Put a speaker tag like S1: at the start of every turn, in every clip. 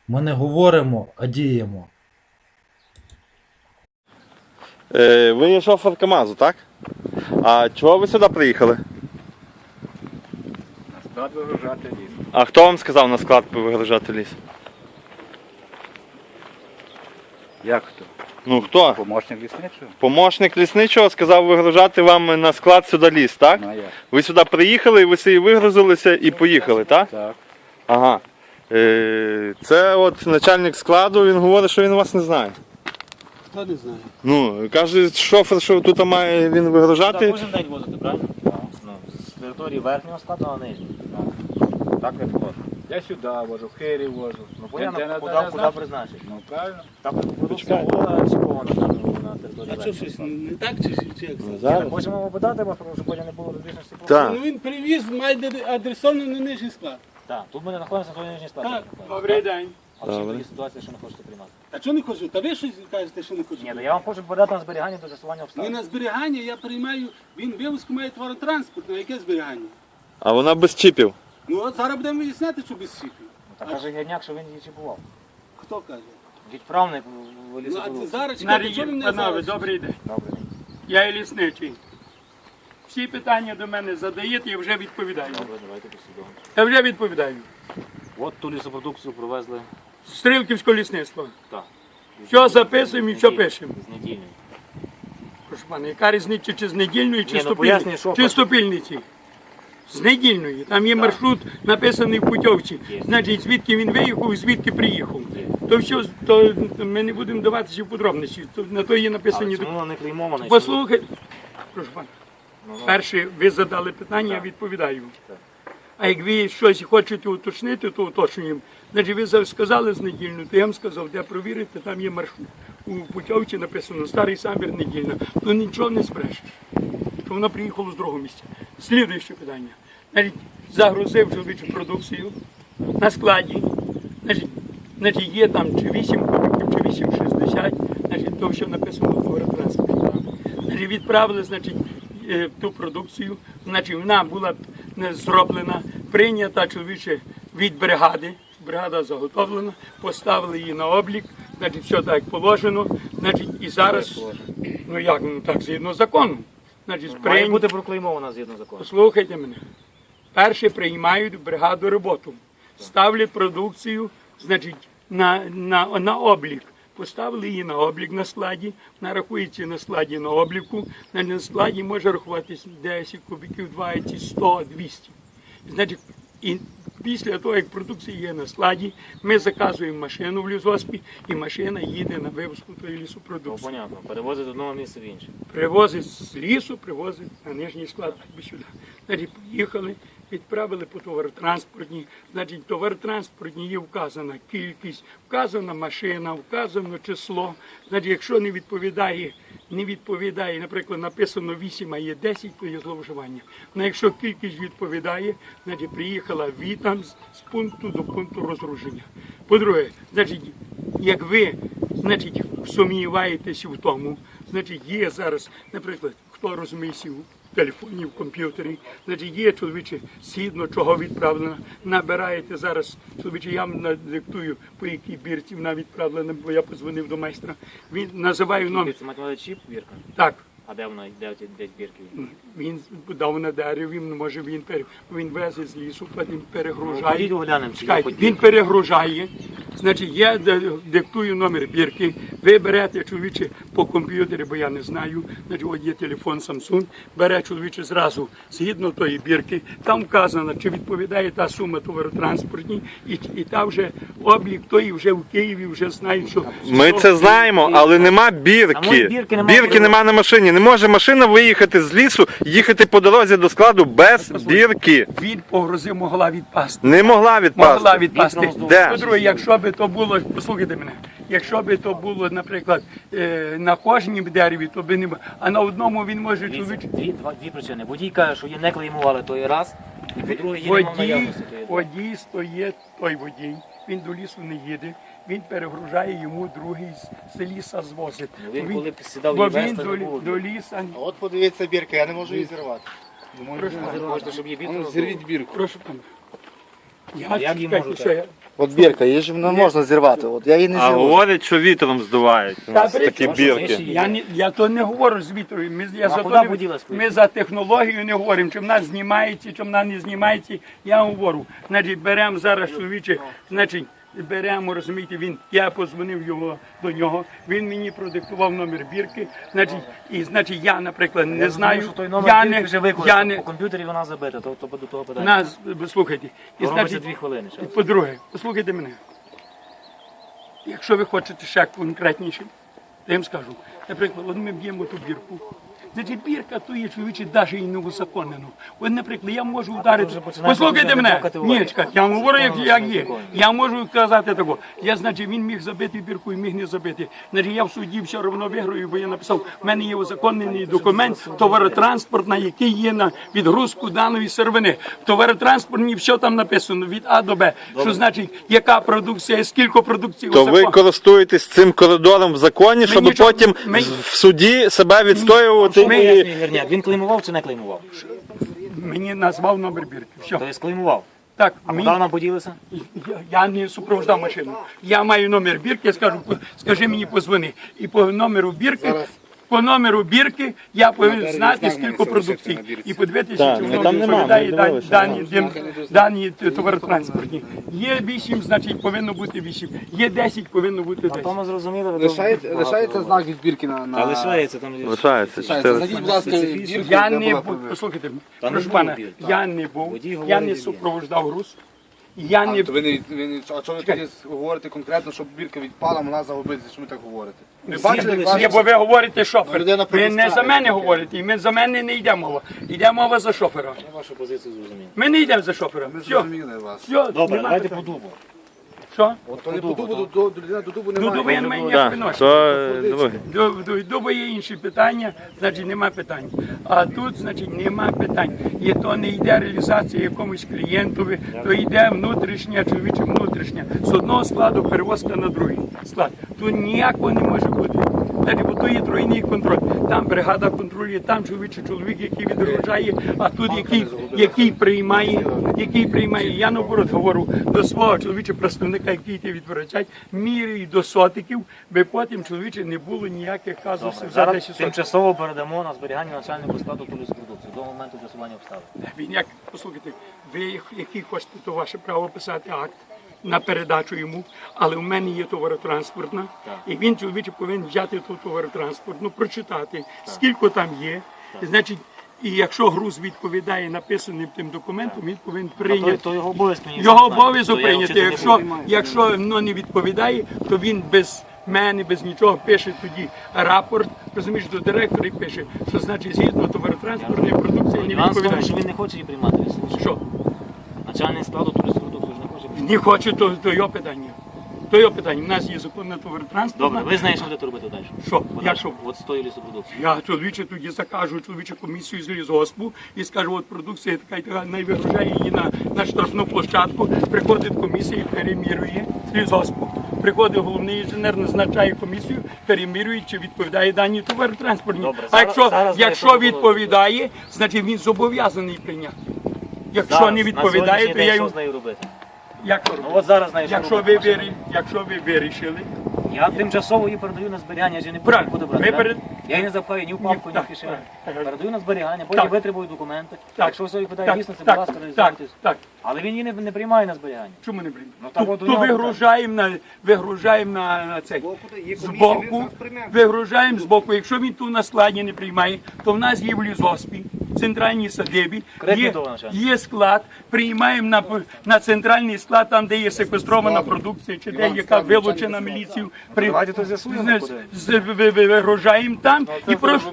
S1: Ми не говоримо, а діємо.
S2: Ви є шофер КАМАЗу, так? А чого ви сюди приїхали?
S3: На склад вигружати ліс.
S2: А хто вам сказав на склад вигружати ліс?
S3: Як хто?
S2: Ну хто?
S3: Помощник лісничого?
S2: Помощник лісничого сказав вигружати вам на склад сюди ліс, так?
S3: Ну, а як?
S2: Ви сюди приїхали, ви собі вигрузилися і поїхали, так?
S3: Так.
S2: Ага. Це от начальник складу, він говорить, що він вас не знає.
S4: Хто не знає?
S2: Ну, каже шофер, що тут має він вигружати.
S5: Кожен день возити, правильно? Ну, з території верхнього складу на нижній. Так не входить.
S3: Я сюди вожу, в Хирі вожу.
S5: Ну, понятно,
S3: Де
S5: куди призначить.
S3: Ну, правильно.
S5: Так продукція була чіпована на території
S4: А що,
S5: верхнього.
S4: щось не так чи як?
S2: Зараз.
S5: Хочемо попитати вас, тому що потім не було розбіжності.
S2: Так.
S4: Ну він привіз, має адресований на нижній склад.
S5: Так, тут ми знаходимося на нижній складі.
S4: Так, добрий день.
S5: А в чому
S2: Добре.
S5: тоді ситуація, що не хочете приймати?
S4: А чого не хочу? Та ви щось кажете, що не хочу?
S5: Ні, ну я вам хочу подати на зберігання до з'ясування
S4: Не
S5: обставин.
S4: на зберігання, я приймаю, він вивозку має товаротранспорт, на яке зберігання?
S2: А вона без чіпів.
S4: Ну от зараз будемо виясняти, що без чіпів.
S5: Так каже Герняк, що він її чіпував.
S4: Хто каже?
S5: Відправник в
S4: Ну а це
S5: лісопровод.
S4: зараз чекайте, що ви мене
S6: Панове,
S4: зараз?
S6: добрий день.
S5: Добре.
S6: Я є лісничий. Всі питання до мене задаєте, я вже відповідаю.
S5: Добре, давайте послідовно.
S6: Я вже відповідаю.
S5: От ту лісопродукцію привезли.
S6: Стрілківське лісництво.
S5: Так.
S6: Що записуємо і що пишемо?
S5: З недільної.
S6: Прошу пана, яка різниця чи з недільної, чи
S5: Ні,
S6: з
S5: ну, пояснюй,
S6: топільної?
S5: що
S6: Чи з топільниці? З недільної. Там є маршрут написаний в путівці.
S5: Є.
S6: Значить, звідки він виїхав і звідки приїхав.
S5: Є.
S6: То все, то ми не будемо даватися в подробності. На то є
S5: Але
S6: написані.
S5: чому воно не клеймовано?
S6: Послухайте, прошу пана.
S5: Ну,
S6: Перше, ви задали питання, я відповідаю.
S5: Так.
S6: А як ви щось хочете уточнити, то уточнюємо. Значить, ви сказали з недільну, то я вам сказав, де провірити, там є маршрут. У путівці написано старий самбір недільна. То нічого не збрешеш. Що вона приїхала з другого місця. Слідуюче питання. Значить, загрузив чоловічу продукцію на складі. Значить, є там чи 8 кубиків, чи 8,60, значить, то все написано в товаротранспорті. Значить, відправили, значить, ту продукцію, значить, вона була зроблена, прийнята чоловіче від бригади, бригада заготовлена, поставили її на облік, значить, все так як положено, значить, і зараз, ну як, ну так, згідно закону, значить,
S5: Має бути проклеймована згідно закону.
S6: Послухайте мене. Перше приймають в бригаду роботу, ставлять продукцію, значить, на облік. Поставили її на облік на складі, вона рахується на складі на обліку, на складі може рахуватися 10 кубиків, 20, 100, 200. Значить, і після того, як продукція є на складі, ми заказуємо машину в лісгоспі, і машина їде на вивозку тої
S5: Ну,
S6: лісопродукції.
S5: понятно. Перевозить з одного місця в інше.
S6: Привозить з лісу, привозить на нижній склад сюди. Значить, поїхали, відправили по товаротранспортній. Значить, товаротранспортній є вказана кількість, вказана машина, вказано число. Значить, якщо не відповідає, наприклад, написано 8, а є 10, то є зловживання. Ну, якщо кількість відповідає, значить, приїхала там з пункту до пункту розгруження. По-друге, значить, як ви, значить, сумніваєтеся в тому, значить, є зараз, наприклад, хто розуміється в телефоні, в комп'ютері, значить, є, чоловіче, згідно чого відправлено, набираєте зараз, чоловіче, я вам надиктую, по якій бірці вона відправлена, бо я подзвонив до майстра, він називає номер.
S5: Це мати чіп, бірка?
S6: Так,
S5: А де вона, де бірки?
S6: він дав на дереві, може він везе з лісу, потім
S5: Ну,
S6: перегружає.
S5: ходіть оглянемо, чи є
S6: Чекайте,
S5: хоч
S6: він
S5: бірки.
S6: перегружає, значить, я диктую номер бірки, ви берете, чоловіче, по комп'ютері, бо я не знаю, значить, от є телефон Samsung, бере, чоловіче, зразу, згідно тої бірки, там вказано, чи відповідає та сума товаротранспортній, і там вже облік той вже в Києві, вже знають, що...
S2: Ми це знаємо, але нема
S5: А
S2: бірки.
S5: може, бірки немає?
S2: Бірки нема на машині. Не може машина виїхати з лісу, їхати по дорозі до складу без бірки.
S6: Від погрози могла відпасти.
S2: Не могла відпасти.
S6: Могла відпасти.
S2: Де?
S6: По-друге, якщо би то було, послухайте мене, якщо би то було, наприклад, на кожній дереві, то би не було. А на одному він може
S5: Дивіться,
S6: чоловік.
S5: дві причини. Водій каже, що її не клеймували той раз, і по-друге, її немає в наявності.
S6: Водій стоїть, той водій, він до лісу не їде, він перегружає, йому другий з ліса звозить.
S5: Ну, він коли сідав
S6: бо
S5: її
S6: він
S5: вести, не було.
S6: до ліса.
S7: А от подивіться бірка, я не можу її зірвати.
S5: Ви хочете, щоб її бірку
S7: Зірвіть бірку.
S6: Прошу пана.
S5: А як її
S6: чекайте,
S5: можете?
S6: що я
S7: От бірка, її ж не можна зірвати. От я її не
S2: А
S7: зірву.
S2: говорять, що вітром здувають. У нас такі бірки.
S6: Я то не говорю з вітрою. Ми за технологію не говоримо, чи вона знімається, чи вона не знімається. Я говорю, значить, беремо зараз чоловіче, значить, беремо, розумієте, я позвонив до нього, він мені продиктував номер бірки, значить, я, наприклад, не знаю,
S5: Той номер бірки вже використав,
S6: не,
S5: по комп'ютері вона забита, то до того питання.
S6: слухайте, і
S5: Робиться
S6: значить,
S5: 2 хвилини. ще.
S6: по-друге, послухайте мене. Якщо ви хочете ще конкретніше, то я їм скажу. Наприклад, от ми б'ємо ту бірку. Значить, бірка то є чоловіче, навіть і не узаконено. От, наприклад, я можу ударити.
S5: вже починаєш
S6: Послухайте
S5: розглядати
S6: мене.
S5: категорії.
S6: Ні, чекай, я вам говорю, як є.
S5: законно.
S6: Я можу казати такого. Значить, він міг забити бірку і міг не забити. Значить, я в суді все одно виграю, бо я написав, в мене є узаконений документ, товаротранспортна, який є на відгрузку даної сировини. В товаротранспортній все там написано, від А до Б. Що значить, яка продукція, скільки продукції
S2: То ви
S6: узаконено.
S2: користуєтесь цим коридором в законі, щоб
S6: нічого-
S2: потім
S6: ми-
S2: в суді себе відстоювати
S5: Що
S2: і...
S5: пояснює Герняк? Він клеймував чи не клеймував?
S6: Мені назвав номер бірки. Все.
S5: Тобто клеймував.
S6: Так,
S5: А
S6: мені-
S5: куди нам поділися?
S6: Я не супроводжав машину. Я маю номер бірки, я скажу, скажи мені, позвони. І по номеру бірки я повинен знати, скільки продукцій. І подивитися, чи воно
S2: там нема,
S6: відповідає
S2: ми дивилися.
S6: дані товаротранспортні. Є 8, значить повинно бути 8. Є 10, повинно бути 10.
S5: Там ми зрозуміли.
S7: Лишається знак від бірки на...
S5: Та лишається там.
S2: Лишається.
S7: Зайдіть, будь ласка, бірку.
S6: Я
S7: де
S6: не
S7: була
S6: був,
S7: повірка.
S6: послухайте,
S5: Та не
S6: прошу
S5: було
S6: пана,
S5: бірки.
S6: я не був,
S5: Водій
S6: я
S5: говорить,
S6: не
S5: є.
S6: супроводжав груз. Я не...
S7: А чого ви тоді говорите конкретно, щоб бірка відпала, вона загубиться, що ви так говорите? Ви бачили, як
S6: Ні, бо ви говорите шофер.
S7: Людина
S6: Ви не за
S7: пропускає.
S6: мене говорите, і ми за мене не йде мова. Йде мова за шофера.
S5: Я вашу позицію зрозумів.
S6: Ми не йдемо за шофера.
S7: Ми
S6: Все,
S7: зрозуміли вас.
S6: все,
S5: Добре,
S6: нема
S5: давайте по
S6: питань.
S5: дубу.
S6: Що?
S7: То не по дубу, до людини до дубу немає.
S6: До дуба я не маю
S2: Так,
S6: ніякого відношення.
S2: то друге.
S6: До дуба є інші питання, значить нема питань. А тут, значить, нема питань. І то не йде реалізація якомусь клієнтові, то йде внутрішня, чоловіче внутрішня. З одного складу перевозка на другий склад. Тут ніякого не може бути. Значить, бо то є тройний контроль. Там бригада контролює, там чоловік, який відгружає, а тут який приймає. Я наоборот говорю до свого чоловіча представника, який йде відврачать, міряю до сотиків, би потім чоловіче не було ніяких казусів за
S5: Зараз
S6: 10 сотиків.
S5: тимчасово передамо на зберігання начальнику складу поліспродукції до моменту з'ясування обставин.
S6: Він як, послухайте, ви який хочете, то ваше право писати акт на передачу йому, але в мене є товаротранспортна, і він чоловіче повинен взяти ту товаротранспортну, прочитати, скільки там є, значить, і якщо груз відповідає написаним тим документом, він повинен прийняти.
S5: То його обов'язок мені
S6: Його
S5: знати.
S6: обов'язок
S5: То я
S6: прийняти.
S5: вчити не буду.
S6: Якщо воно не відповідає, то він без мене, без нічого пише тоді рапорт, розумієш, до директора і пише, що значить згідно товаротранспортної продукції не
S5: Нюанс в тому, що
S6: відповідає.
S5: він не хоче її приймати. ви слухайте.
S6: Що?
S5: Начальник складу поліспродукції ж не хоче приймати.
S6: Не хоче, то його питання. То його питання. У нас є законна товаротранспортна.
S5: Добре, ви знаєте, що будете робити далі?
S6: Що?
S5: Подальше.
S6: Я що?
S5: От з тою лісопродукцією.
S6: Я чоловіче тоді закажу комісію з лісгоспу і скажу, от продукція така і така, не вигружає її на штрафну площадку, приходить комісія і перемірює з лісгоспу. Приходить головний інженер, назначає комісію, перемірює, чи відповідає дані товаротранспортні.
S5: Добре,
S6: А
S5: зараз
S6: якщо
S5: знаю, що
S6: відповідає, значить він зобов'язаний прийняти. Якщо
S5: Зараз,
S6: не
S5: на
S6: відповідає,
S5: сьогоднішній
S6: то
S5: день
S6: я
S5: що
S6: йому...
S5: з нею робити?
S6: Як то
S5: Ну
S6: робити?
S5: от зараз знаєш, що
S6: Якщо
S5: робити.
S6: якщо ви вирішили,
S5: Я тимчасово її передаю на зберігання, я ж її не
S6: Правильно.
S5: буду брати.
S6: Ви
S5: да?
S6: перед-
S5: Я її не запхаю ні в папку, ні в
S6: Так,
S5: кишеню.
S6: так.
S5: Передаю на зберігання, потім
S6: Так.
S5: витребую документи.
S6: Так.
S5: Якщо все відповідає
S6: так,
S5: дійсності, будь
S6: так,
S5: ласка,
S6: так,
S5: реалізуйтесь.
S6: так.
S5: Але він її не приймає на зберігання.
S6: Чому не прийме?
S5: Ну, так от у
S6: То
S5: нього
S6: вигружаємо на цей. Збоку, вигружаємо збоку. Якщо він ту на складі не приймає, то в нас є в лісгоспі, в центральній садибі,
S5: Конкретно того начальника.
S6: є склад, приймаємо на центральний склад, там, де є секвестрована продукція, чи де яка вилучена міліцією.
S5: давайте то з'ясуємо,
S6: Вигружаємо там і просто...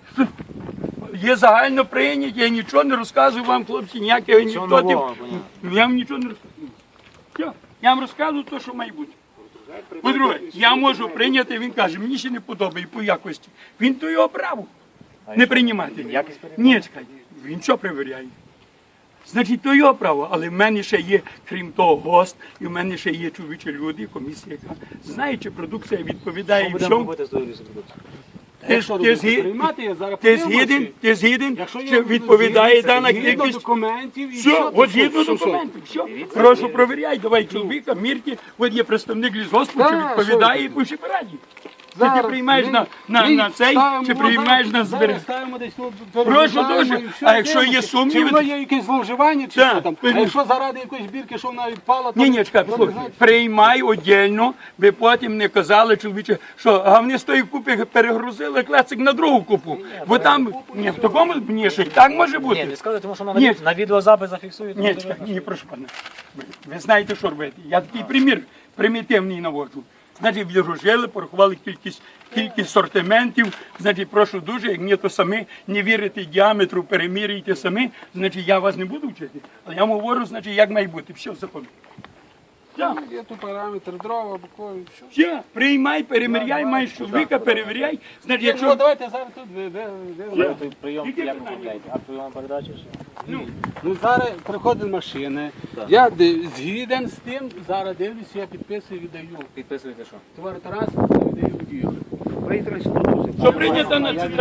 S6: Є загально прийняті, я нічого не розказую вам, хлопці, ніяких анекдотів.
S5: нового, понятно.
S6: Я вам нічого не розказую. Все. Я вам розказую те, що має бути. По-друге, я можу прийняти, він каже, мені ще не подобає по якості. Він то його право не приймати.
S5: якість перевіряє?
S6: Ні, чекай, він що перевіряє? Значить, то його право, але в мене ще є, крім того, гост, і в мене ще є чоловічі люди, комісія, яка знає, чи продукція відповідає
S5: Що
S6: і
S5: будемо
S6: всьому.
S5: робити з тою лісопродукцією?
S4: Якщо
S6: ти
S4: робити,
S6: згіден?
S4: приймати, я зараз
S6: Ти
S4: подивимося.
S6: згіден? Ти згіден?
S4: Якщо
S6: Чи
S4: я
S6: відповідає дана
S4: згідно
S6: кількість?
S4: документів і
S6: Все, от згідно
S4: що?
S6: документів, все. Прошу, провіряй, давай чоловіка, мірки, от є представник лісгоспу, чи
S4: Так,
S6: відповідає
S4: що
S6: і пиши пораді. Чи
S4: Зараз
S6: ти приймаєш
S4: ми-
S6: на цей,
S4: ставимо,
S6: чи приймаєш на
S4: зараз
S6: зберігання?
S4: ставимо десь тут,
S6: Прошу
S4: переглядаємо
S6: дуже.
S4: і все,
S6: А якщо є
S4: дивимося.
S6: сумніви,
S4: Чи воно є якесь зловживання, чи
S6: Так,
S4: що там. А
S6: пильно.
S4: якщо заради якоїсь бірки, що вона відпала, то...
S6: Ні, чекай,
S4: то,
S6: послухай,
S4: знаєте,
S6: приймай одільно, ви потім не казали, чоловіче, що а вони з тої купи перегрузили клецик на другу купу. Бо там, ні, в такому, ні, ще й так може
S5: Ні,
S6: бути.
S5: не скажу, тому що
S6: Ні.
S5: на відеозапис зафіксують.
S6: Ні, чекай, ні, прошу пане. Ви знаєте, що робити. Я такий примір примітивний наводжу. Значить, відгружили, порахували кількість сортиментів. Значить, прошу дуже, як ні, то самі не вірите діаметру, перемірюйте самі. Значить, я вас не буду вчити. Але я вам говорю, значить, як має бути. Все, закон. Так.
S4: Є тут параметр, дрова, бокові, все.
S6: Все, приймай, переміряй, маєш чоловіка, перевіряй. Значить,
S4: Ну,
S6: якщо...
S4: давайте зараз тут,
S5: Той прийом,
S6: Які
S5: як
S6: питання?
S5: оформляєте? А прийом передачі?
S4: Ну, зараз приходить машина, я згіден з тим, зараз дивлюся, я підписую, віддаю.
S5: Підписуєте що?
S4: Товаротранспорт віддаю водію.
S6: Що прийнято на це?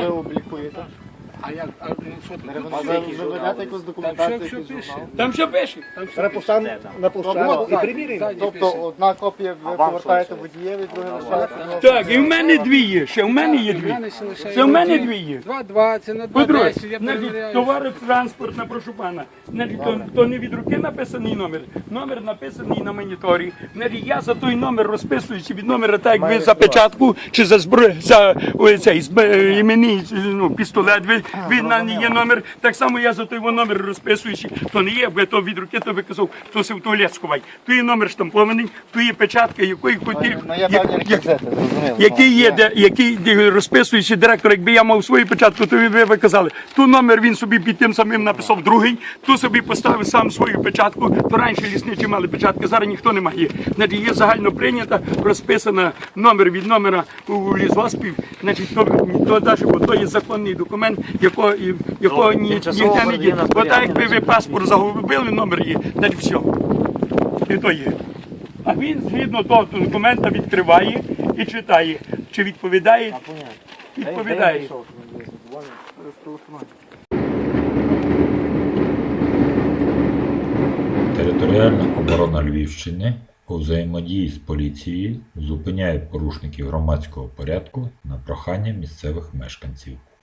S4: А як, а, ну, що тут?
S7: Ви ведете якусь
S4: Там
S7: документацію,
S4: що
S7: якийсь
S4: пише?
S7: журнал?
S6: Там що пише?
S4: Там що
S7: Перепустимо
S5: Де там?
S7: на площадку і приміряємо.
S4: Ззаді
S7: Тобто
S4: пише.
S7: одна копія ви
S5: вам
S7: повертаєте
S5: що
S7: водієві, друга лишаєте.
S6: Так, і в мене дві є, ще в мене є дві. Це в мене дві є.
S4: 2,20 на 2,10,
S6: По-друге,
S4: я
S6: значить,
S4: перевіряю.
S6: товаротранспортна, прошу пана. Значить, то не від руки написаний номер. Номер написаний на моніторі. Значить, я за той номер розписуюся від номера, так як ви за печатку, чи за цей іменний пістолет, ви на не є номер. Так само я за той номер розписуюся. То не є, бо то від руки, то ви казав, то се в туалет сховай. То є номер штампований, то є печатка, якої хотів.
S7: Ну є певні реквізити, зрозуміло.
S6: Який є, який розписуючий директор, якби я мав свою печатку, то ви казали, ту номер він собі під тим самим написав другий, ту собі поставив сам свою печатку, то раніше лісничі мали печатки, зараз ніхто не має. Значить, є загально прийнята, розписана номер від номера у лісгоспів, значить, то далі, бо то є законний документ, якого
S5: тимчасово
S6: ніхто не
S5: передає
S6: є.
S5: на
S6: Бо так, якби
S5: зберігання.
S6: ви паспорт загубили, номер є, значить все. І то є. А він згідно того документа відкриває і читає, чи відповідає, відповідає.
S8: Територіальна оборона Львівщини у взаємодії з поліцією зупиняє порушників громадського порядку на прохання місцевих мешканців.